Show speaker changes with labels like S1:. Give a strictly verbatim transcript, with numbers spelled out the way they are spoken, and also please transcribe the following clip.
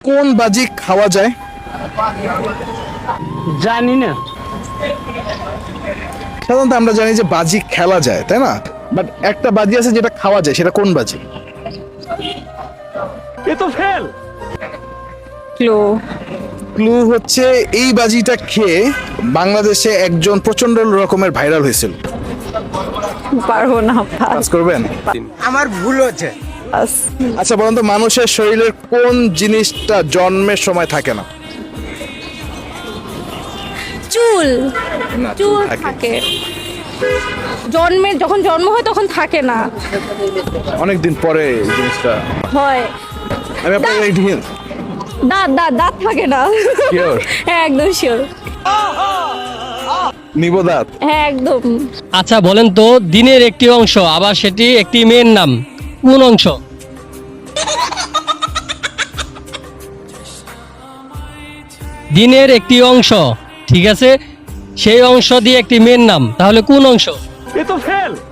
S1: কোন বাজি খাওয়া যায়?
S2: জানি না।
S1: সাধারণত আমরা জানি যে বাজি খেলা যায়, তাই না? বাট একটা বাজি আছে যেটা খাওয়া যায়, সেটা কোন বাজি?
S2: এ তো ফেল।
S3: ক্লু
S1: ক্লু হচ্ছে এই বাজিটা খেয়ে বাংলাদেশে একজন প্রচন্ড রকমের ভাইরাল হয়েছিল।
S3: পারবো না।
S1: পাস করবেন?
S4: আমার ভুল হচ্ছে।
S3: পাস।
S1: আচ্ছা বলুন তো, মানুষের শরীরের কোন জিনিসটা জন্মের সময় থাকে না?
S3: চুল
S1: না,
S3: চুল থাকে জন্মের, যখন জন্ম হয় তখন থাকে না,
S1: অনেকদিন পরে এই জিনিসটা
S3: হয়।
S1: আমি আপনাকে একটু hint-
S3: দাঁত দাঁত দাঁত থাকে না।
S1: Sure?
S3: হ্যাঁ একদম শিওর।
S1: নিবদাত।
S3: হ্যাঁ একদম।
S5: আচ্ছা বলেন তো, দিনের একটি অংশ আবার সেটি একটি মেয়ের নাম, কোন অংশ? দিনের একটি অংশ, ঠিক আছে, সেই অংশ দিয়ে একটি মেয়ের নাম, তাহলে কোন অংশ?
S2: এ তো ফেল।